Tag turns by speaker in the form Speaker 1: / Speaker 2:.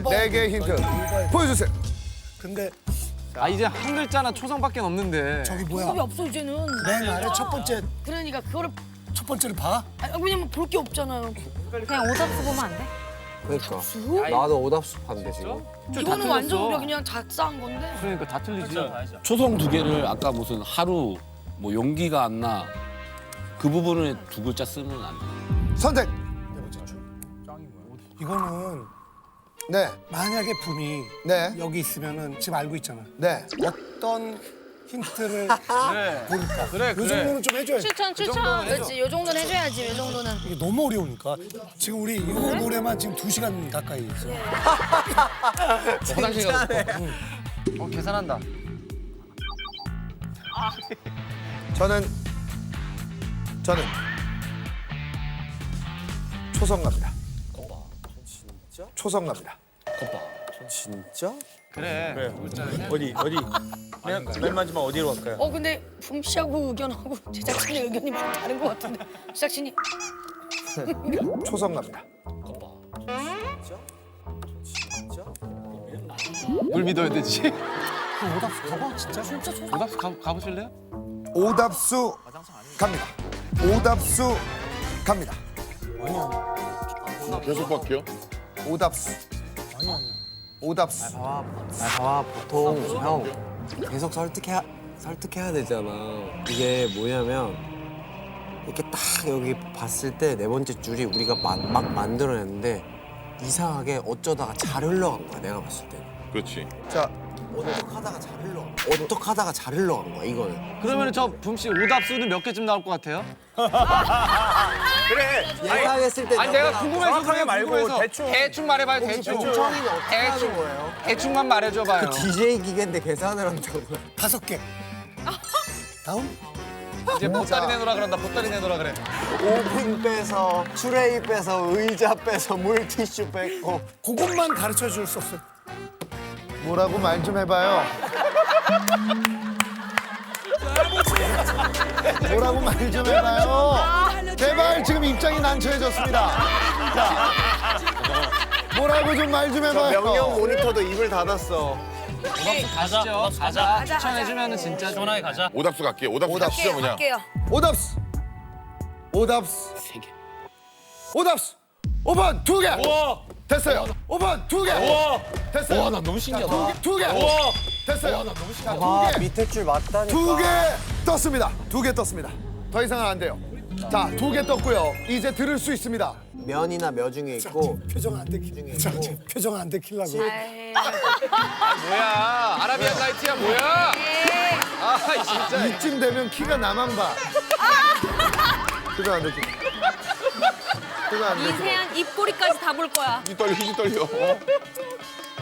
Speaker 1: 네 개의 힌트 보여주세요.
Speaker 2: 근데
Speaker 3: 아 이제 한 글자나 초성밖에 없는데.
Speaker 2: 저기 뭐야?
Speaker 4: 답이 없어 이제는.
Speaker 2: 맨 아래 첫
Speaker 4: 그러니까 그거를
Speaker 2: 번째를 봐?
Speaker 4: 왜냐면 볼 게 없잖아요.
Speaker 5: 그냥 오답수 보면 안 돼?
Speaker 6: 그러니까 나도 오답수 봤는데 지금.
Speaker 4: 이거는 완전 우리가 그냥 작사한 건데.
Speaker 3: 그러니까 다 틀리지.
Speaker 7: 초성 두 개를 아까 무슨 하루 뭐 용기가 안 나. 그 부분에 두 글자 쓰면 안 돼.
Speaker 1: 선택.
Speaker 2: 이거는
Speaker 1: 네,
Speaker 2: 만약에 붐이
Speaker 1: 네,
Speaker 2: 여기 있으면은 지금 알고 있잖아.
Speaker 1: 네.
Speaker 2: 어떤 힌트를
Speaker 3: 그래.
Speaker 2: 볼까?
Speaker 3: 그래,
Speaker 2: 요 정도는 좀 해줘야지.
Speaker 5: 추천.
Speaker 4: 그렇지, 요 정도는 해줘야지, 요 정도는.
Speaker 2: 이게 너무 어려우니까 지금 우리 이 노래만 지금 2시간 가까이 있어.
Speaker 3: 화장실 가서. 계산한다.
Speaker 1: 저는 초성 갑니다. 초성 갑니다.
Speaker 6: 진짜?
Speaker 3: 그래.
Speaker 8: 어디? 맨 마지막 어디로 갈까요?
Speaker 4: 근데 붐 씨하고 의견하고 제작진의 의견이 많이 다른 것 같은데. 제작진이
Speaker 1: 초성 갑니다.
Speaker 3: 뭘 믿어야 되지?
Speaker 2: 오답수 가봐 진짜.
Speaker 3: 오답수 가보실래요?
Speaker 1: 오답수 갑니다. 오답수 갑니다.
Speaker 9: 계속 바뀌어?
Speaker 1: 오답수. 오답수.
Speaker 6: 봐봐 보통 형 계속 설득해야 되잖아. 이게 뭐냐면 이렇게 딱 여기 봤을 때 네 번째 줄이 우리가 막 만들어냈는데 이상하게 어쩌다가 잘 흘러간 거야 내가 봤을 때.
Speaker 9: 그렇지.
Speaker 1: 자,
Speaker 6: 어떡하다가 잘 흘러간 거야 이거는.
Speaker 3: 그러면 저 붐씨 오답수는 몇 개쯤 나올 것 같아요?
Speaker 8: 그래.
Speaker 6: 예상했을 때
Speaker 3: 아니 내가 궁금해서
Speaker 8: 정확하게
Speaker 3: 그래요,
Speaker 8: 말고
Speaker 3: 궁금해서. 대충 말해봐요 대충.
Speaker 6: 총청이는 어떻게 하는 거예요?
Speaker 3: 대충만 말해줘봐요.
Speaker 6: DJ 기계인데 계산을 한다고요?
Speaker 2: 5개. 다음?
Speaker 3: 이제 보따리 내놓으라 그런다. 보따리 내놓으라 그래.
Speaker 6: 오븐 빼서 트레이 빼서 의자 빼서 물티슈 뺐고.
Speaker 2: 그것만 가르쳐 줄 수 없어.
Speaker 1: 뭐라고 말 좀 해봐요. 뭐라고 말 좀 해봐요. 제발 지금 입장이 난처해졌습니다. 자, 뭐라고 좀 말 좀 해봐요.
Speaker 6: 모니터도 입을 닫았어.
Speaker 3: 가시죠. 가자. 추천해주면은 진짜
Speaker 8: 시원하게 가자.
Speaker 9: 오답수 갈게. 오답수 가시죠 그냥.
Speaker 4: 할게요.
Speaker 1: 오답수. 오답수.
Speaker 7: 3개.
Speaker 1: 오답수. 5번 2개.
Speaker 8: 우와.
Speaker 1: 됐어요. 5번 2개.
Speaker 8: 우와.
Speaker 1: 됐어요.
Speaker 7: 와 나 너무 신기하다.
Speaker 1: 2개.
Speaker 8: 우와.
Speaker 1: 됐어요.
Speaker 6: 아 밑에 줄 맞다니까.
Speaker 1: 2개 떴습니다. 2개 떴습니다. 더 이상은 안 돼요. 자, 2개 떴고요. 이제 들을 수 있습니다.
Speaker 6: 면이나 며 중에 있고.
Speaker 2: 표정 안 들키려고. 자, 표정 안 들키려고.
Speaker 3: 뭐야? 아라비안 나이트야 뭐야? 아 진짜.
Speaker 1: 이쯤 되면 키가 나만 봐. 표정 안 들키. 표정 안 들키.
Speaker 5: 이세안 입꼬리까지 다 볼 거야.
Speaker 9: 힘이 떨려.